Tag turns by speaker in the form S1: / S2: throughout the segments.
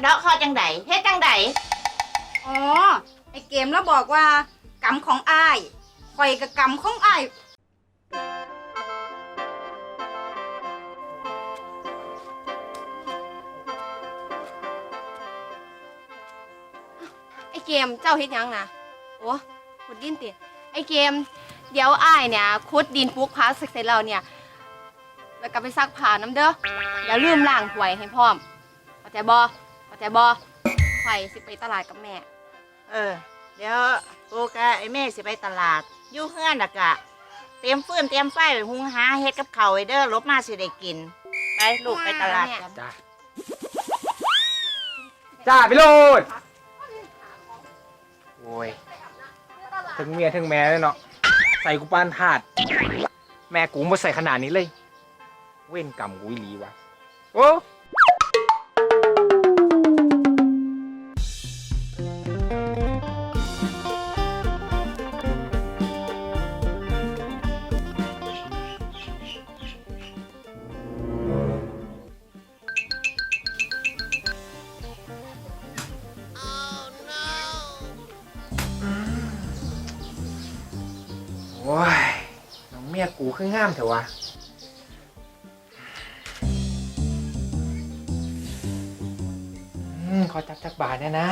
S1: ะเดาะคอจังไดเฮ็ดจังได
S2: อ๋อไอเกมแล้วบอกว่ากรรมของอ้ายข่อยกับกรรมของอ้าย
S3: ไอเกมเจ้าเฮ็ดยังนะโอ้ขุดดินติไอเกมเดี๋ยวอ้ายเนี่ยขุดดินปลูกผักเสร็จแล้วเนี่ยแล้วก็ไปซักผ้าน้ำเด้ออย่าลืมล้างถ้วยให้พร้อมเข้าใจบ่ข่อยสิไปตลาดกับแม่
S1: เดี๋ยวกูกับไอ้แม่สิไปตลาดอยู่เฮือนน่ะกะเตรียมฟืนเตรียมไฟไว้หุงหาเฮ็ดกับข้าวไว้เด้อลบมาสิได้กินไปลูกไปตลาดกัน
S4: จ้าจ้าพี่โรดโอ้ยถึงเมียถึงแม่เลยเนาะใส่กูปานถาดแม่กูมาใส่ขนาดนี้เลยเว้นกรรมกูอีหลีวะโอ้โอ้ยน้องเมียกูคืองามเถอะวะขอจักบาทเนี่ยนะ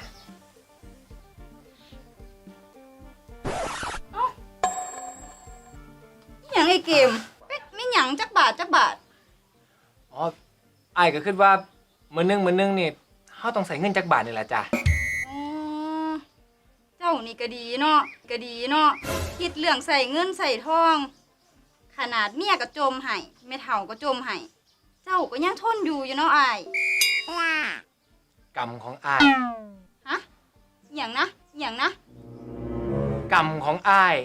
S2: หยังไอเกมไม่หยังจักบาท
S4: อ๋อไอ้ก็คิดว่ามื้อนึงนี่เขาต้องใส่เงินจักบาทนี่แหละจ้ะ
S2: อ๋อเจ้านี่ก็ดีเนาะคิดเรื่องใส่เงินใส่ทองขนาดเมียก็จมให้แม่เฒ่าก็จมให้เจ้าก็ยังทนอยู่เนาะอ้าย
S4: กรรมของอ้าย
S2: ฮะหยังนะ
S4: กรรมของอ้าย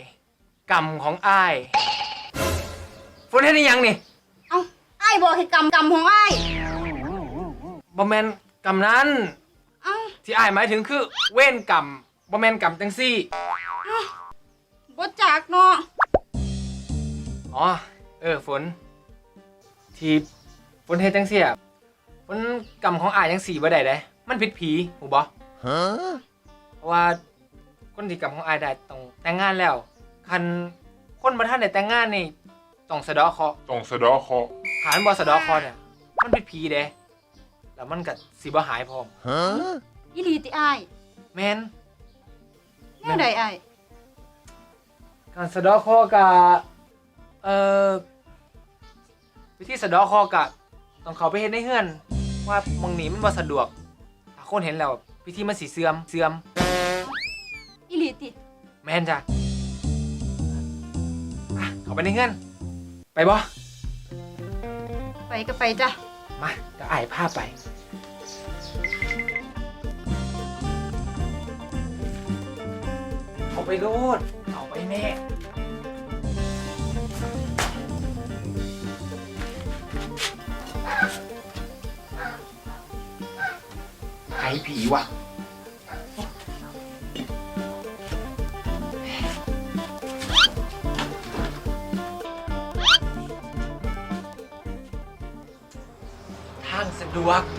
S4: ฝนเฮ็ดได้ยังนี่
S2: เอ้าอ้ายบอกให้กรรมของอ้าย
S4: บ่แม่นกรรมนั้น
S2: เอ้า
S4: ที่อ้ายหมายถึงคือเว้นกรรมบ่แม่นกรรมจังซี่
S2: บ่จักเนาะ
S4: อ๋อฝนที่ฝนเฮ็ดจังซี่อ่ะฝนกรรมของอ้ายจังซี่บ่ได้เด้มันผิดผีหูบ่เพราะว่าคนที่กรรมของอ้ายได้ต้องแต่งงานแล้วคันคนบ่ทันได้แต่งงานนี่ต้องสะเดาะเคราะห์หาบ่สะเดาะเคราะห์เนี่ยมันผิดผีเด้แล้วมันก็สิบ่หายพร้อม
S2: อีหลีติอ้าย
S4: แม่น
S2: แนวใดอ้าย
S4: การสะเดาะเคราะห์ก็วิธีสะเดาะเคราะห์ก็ต้องเข้าไปเฮ็ดในเฮือนว่าหม้องนี้มันบ่สะดวกถ้าคนเห็นแล้วพิธีมันสิเสื่อม
S2: อีหลีติ
S4: แม่นจ้ะเข้าไปในเฮือนไปบ่
S2: ไปก็ไปจ้ะ
S4: มาเดี๋ยวอ้ายพาไปเข้าไปโลดเข้าไปแม่ไอ้ผีวะทางสะดวก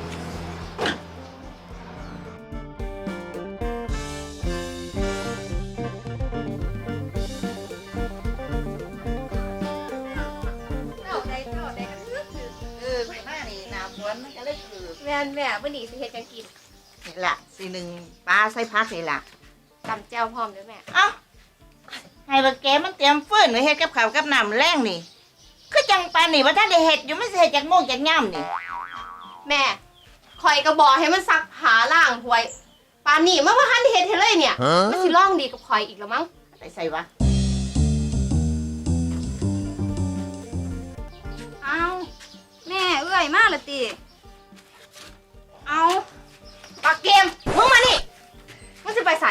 S3: แม่วันนี้สิเฮ็ดจังกิน
S1: นี่ล่ะสิหนึ่งปลาใส่ผักนี่ล่ะ
S3: ตำแจ่วพร้อมเด้อแม่
S1: ให้บักแกมันเตรียมฟืนไว้เฮ็ดกับข้าวกับน้ำแรงนี่คือจังปานนี่ว่าท่านได้เฮ็ดอยู่มันสิเฮ็ดจากโมงจากย่ำนี่
S3: แม่ข่อยก็บอกให้มันซักผ้าล้างถ้วยปานนี้มันบ่ทันได้เฮ็ดให้เลยเนี่ยมันสิร้องดีกับข่อยอีกแล้วมั้ง
S1: ไปใส่วะ
S2: เอาแม่เอื้อยมาละติเอา
S3: ปักเกมมึงมานี่มึงจะไปไส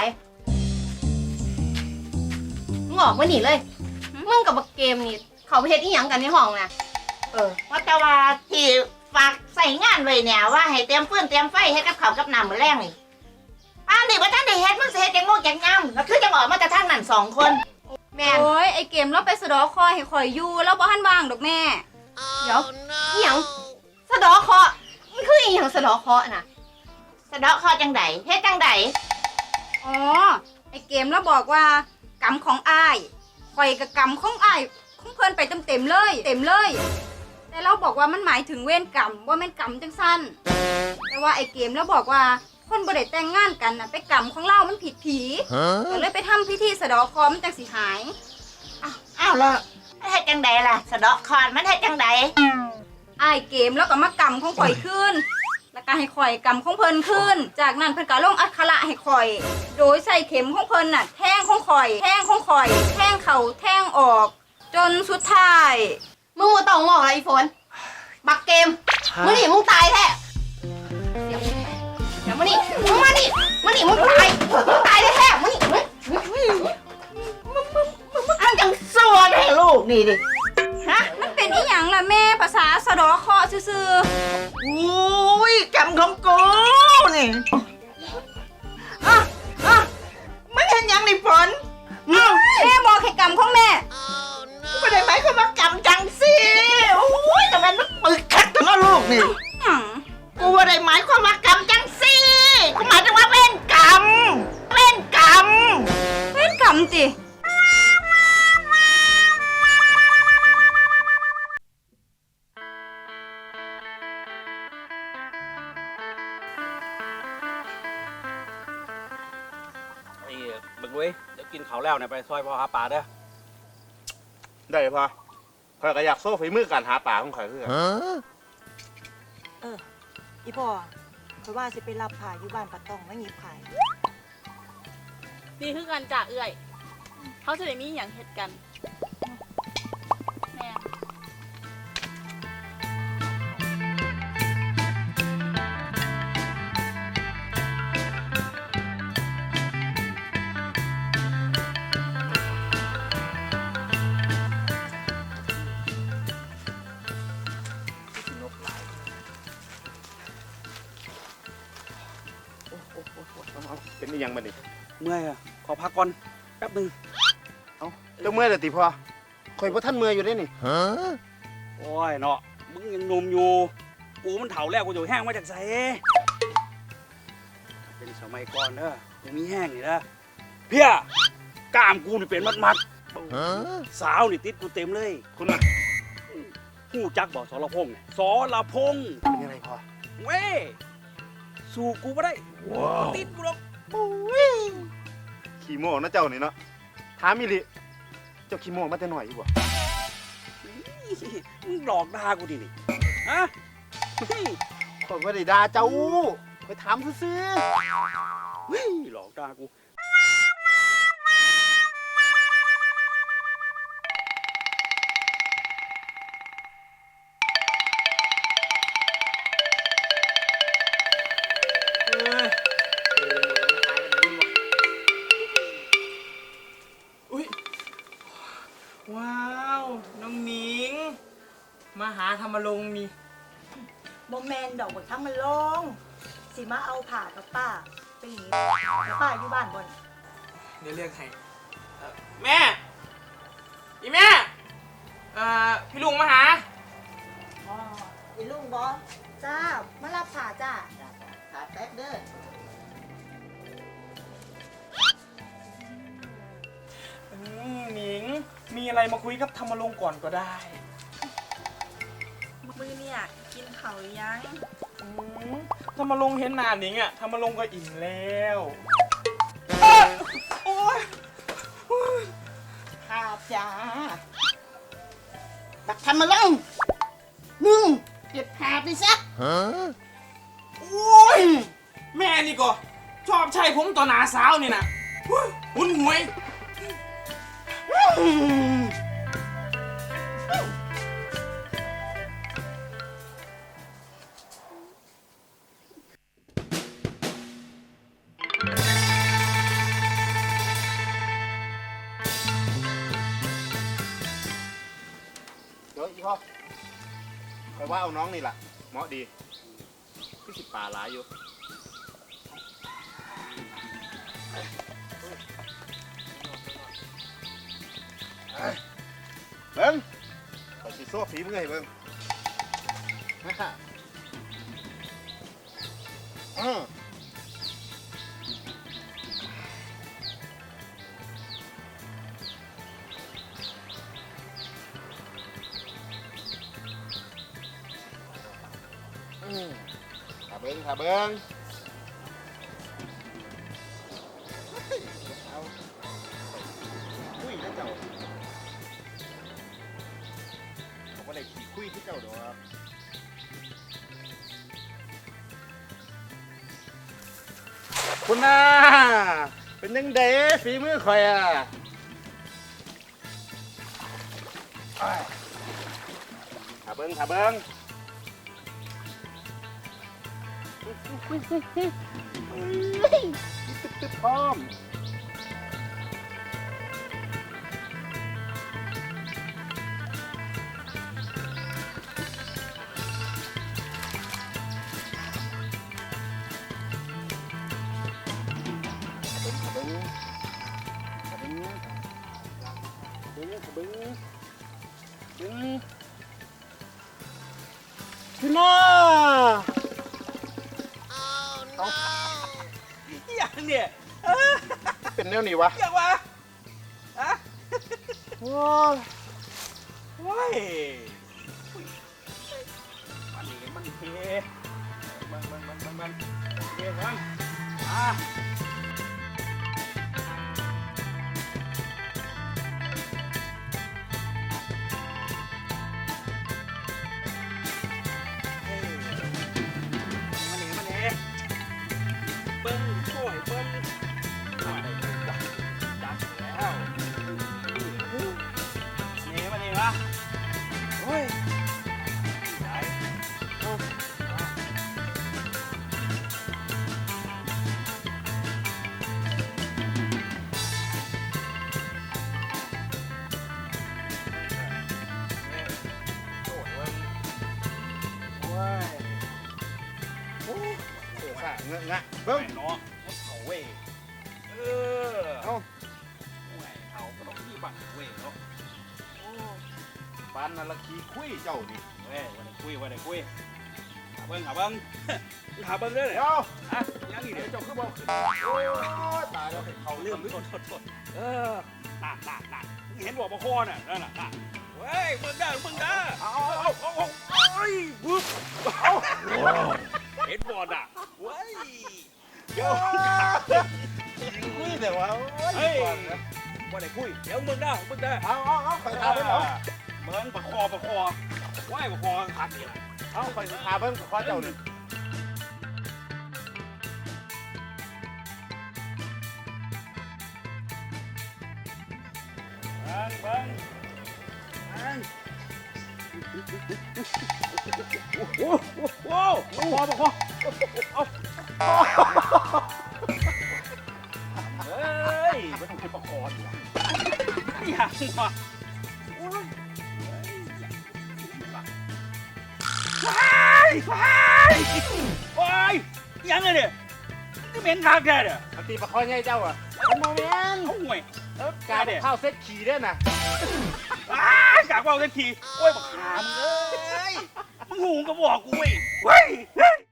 S3: มึงออกมาหนีเลยมึงกับปักเกมนี่เขาไปเฮ็ดอีหยังกันในห้องนะ
S1: ว่าแต่ว่าที่ฝากใส่งานไว้เนี่ยว่าให้เตรียมฟืนเตรียมไฟให้กับข้าวกับน้ำมื้อแรงนี่ป้านี่ว่าท่านได้เฮ็ดมันสิเฮ็ดจังโมงจังย่ำแล้วคือจังออกมาแต่ทางนั้น2 คน
S3: แม่
S2: โอ้ยไอเกมเราไปสะดอคอยให้ข่อยอยู่แล้วบ่ทันว่างดอกแม่
S3: เดี๋ยวอีหยังสะดอเคาะมันคืออีหยังสะดอเคาะน่ะ
S1: ะเดาะข้อจังใดเฮ็ดจังใด
S2: อ๋อ ไอเกมแล้วบอกว่ากรรมของอ้ายข่อยกับกรรมของอ้ายของเพิ่นไปเต็มๆเลยเต็มเลย แต่เราบอกว่ามันหมายถึงเวรกรรมว่าแม่นกรรมจังสั้นแต่ว่าไอเกมแล้วบอกว่าคนบ่ได้แต่งงานกันน่ะไปกรรมของเรามันผิดผีก็เลยไปทำพิธีสะเดาะเคราะห์มันจังสิหาย
S1: อ้าวแล้วมันเฮ็ดจังใดล่ะสะเดาะคอนมันเฮ็ดจังใด
S2: อ้ายเกมแล้วก็มากรรมของข่อยขึ้น แล้วก็ให้ข่อยกรรมของเพิ่นขึ้น จากนั้นเพิ่นก็ลงอักขระให้ข่อย โดยใส่เข็มของเพิ่นน่ะแทงของข่อยแทงของข่อยแทงเข่าแทงออก จนสุดท้าย
S3: มึงมาต้องมองอะไรอีฝนบักเกมมึงนี่มึงตายแท้เดี๋ยวมานี่มึงมานี่มึงตายแท้ๆมึงนี่มึง
S1: อันจังสัวให้ลูกนี่ดิฮะ
S2: มันเป็นอีหยังล่ะแม่ภาษาสะเดอเคราะห์ซื่อ
S1: อุ้ยกรรมของกูนี่ไม่เห็นยังนี่ฝน
S2: ๆแม่บอกให้กรรมของแม่
S1: ไม่ได้หมายความว่ากรรมจังสิโอ้ยแต่มันปึกคักถึงเอาลูกนี่
S2: หยัง
S1: กูไม่ได้หมายความว่ากรรมจังสิกูหมายถึงว่าเว้นกรรมเว้นกรรม
S2: เป็นกรรมติ
S5: ไอ้บึกเว้ยเดี๋ยวกินเขาวแล้วเนี่ยไปซอยพ่อหาปลาเด้อ
S6: ได้พอข่อยก็อยากโซ่ฝีมือการหาปลาของข่อยคือกัน
S7: อีพ่อคือว่าสิไปรับผ่าอยู่บ้านปะตองมาหยิบขาย
S8: ดีคือกันจ่าเอื่อย เขาจะได้มีอย่างเหตุกันแม่
S6: เป็นอีหยังบัดนี้
S5: เมื่อยอะขอพักก่อนแป๊บหนึง
S6: เจ้าเมื่อยเลยติพ่อข่อยบ่ทันเมื่อยอยู่เด้นี่
S5: โอ้ยเนาะมึงยังหนุ่มอยู่กูมันเฒ่าแล้วกูจะแห้งมาจากไสเป็นสมัยก่อนเด้อกูมีแห้งนี่นะเพี้ยกล้ามกูนี่เป็นมัดๆสาวนี่ติดกูเต็มเลย
S6: คุณน่ะ
S5: หู้จักบ่สรพงษ์เนี่ยสรพงษ์
S6: เป็นยังไงพ่อ
S5: เว้ยสู้กูบ่ได้ติดกูหรอก
S6: ขี้โม่นะเจ้านี่เนาะถามอีหลิเจ้าขี้โม่มาแต่น้อยอยู่บ่
S5: มึงหลอกด่ากูดินี่ฮะเฮ้ย
S6: ข่อยบ่ได้ด่าเจ้าข่อยถามซื่อ
S5: เฮ้ยหลอกด่ากู
S4: ว้าว น้องหนิง มาหาธรรมรงค์นี่
S7: บ่แมนดอกบ่ทั้งมันลงสิมาเอาผ่ากับป้าไปหนีป้าอยู่บ้านบ่น
S4: เดี๋ยวเรียกให้แม่ อีแม่ พี่ลุงมาหา
S7: อ๋ออีลุงบ่จ้ามารับผ่าจ้า
S1: ขาดแป๊บเด้อ
S9: หนิง มีอะไรมาคุยกับธรรมรงค์ก่อนก็ได้
S8: มือเนี่ยกินเขาวหรือยัง
S9: ธรรมรงค์เห็นหน้าหนิงอะธรรมรงค์ก็อิ่มแล้ว โอ๊ย
S1: ข้าจ้าบักทำมาลงมึงเก็บขาดไปซะ
S9: โอ๊ย แม่นี่ก็ชอบใช้ผมต่อหน้าสาวนี่นะหุ่นหวย
S6: ๆเดี๋ยวอีพ่อข่อยว่าเอาน้องนี่ล่ะเหมาะดีคือสิปลาหลายอยู่เบิ่งข่อยสิโซ่ฝีมือให้เบิ่ง อืมถ้าเบิ้งเอาคุยนะเจ้าเขาก็ได้ขี่คุยที่เจ้าดอกคุณน่าเป็นยังไงฝีมือข่อยอ่ะอ้ายถ้าเบิ้งตึ๊บพร้อมพี่น้า
S9: อย่างเนี่ย
S6: เป็นแนวนี้วะ
S9: อย่างวะฮะ
S6: โอ้ย
S9: โอ้ยมันนี่มันเทมันเทมันอ่ะมันนี่เบิ้งช่วยเบิ้งมาได้ดีกว่าจัดแล้วนี่วะโอ้ยไหนโอ้
S6: เสือซ่าเงอะงะ
S9: เบิ้
S6: เบิ้
S9: ง
S6: ง
S9: เนาะเขาเว้ยเอาแหวเขาก็ต้องที่บังเว้ยเนาะ
S6: ปานนั่นละขี้คุยเจ้านี่
S9: เว้ยวันนี้คุยหาเบิ้งหาเบิ้งเด้อ
S6: เดี๋ยว
S9: ฮะยังอีกเดี๋ยว
S6: เจ้าคือบอกโอ้ยตายแล้วเขาเรื่อง
S9: โทษน่ะเห็นบอกมาคอน่ะนั่นน่ะเว้ยมึงได้
S6: เอา
S9: เฮ้ยบึ๊บเอาเห็นบอลอ่ะเว้ยเดี๋ยว
S6: คุยแต่ว่า
S9: เฮ้ยวันไหนคุยเดี๋ยวมึงได้
S6: เอาคอยทาเบิ้งเอา
S9: มึงประคอไหวประคอขาดเดียว
S6: เอาคอยทาเบิ้งขอเจ้าหนึ่ง
S9: เบิ้งโอ้โหประคอเอาเฮ้ยไม่ต้องคิดประคอดีกว่าอย่างวะโอ้ยโอ้ยยังไงเนี่ยก็เหม็นทางแกเนี่ย
S6: อันตีประคอยไงเจ้าอ่ะมันโมเมนต์
S9: เขาห่วย
S6: การข้าวเซ็ตขี่ด้วยนะ
S9: กากว่าเล่นทีโอ้ยบักขามเอ้ยมึงหูก็บอกกูเว้ย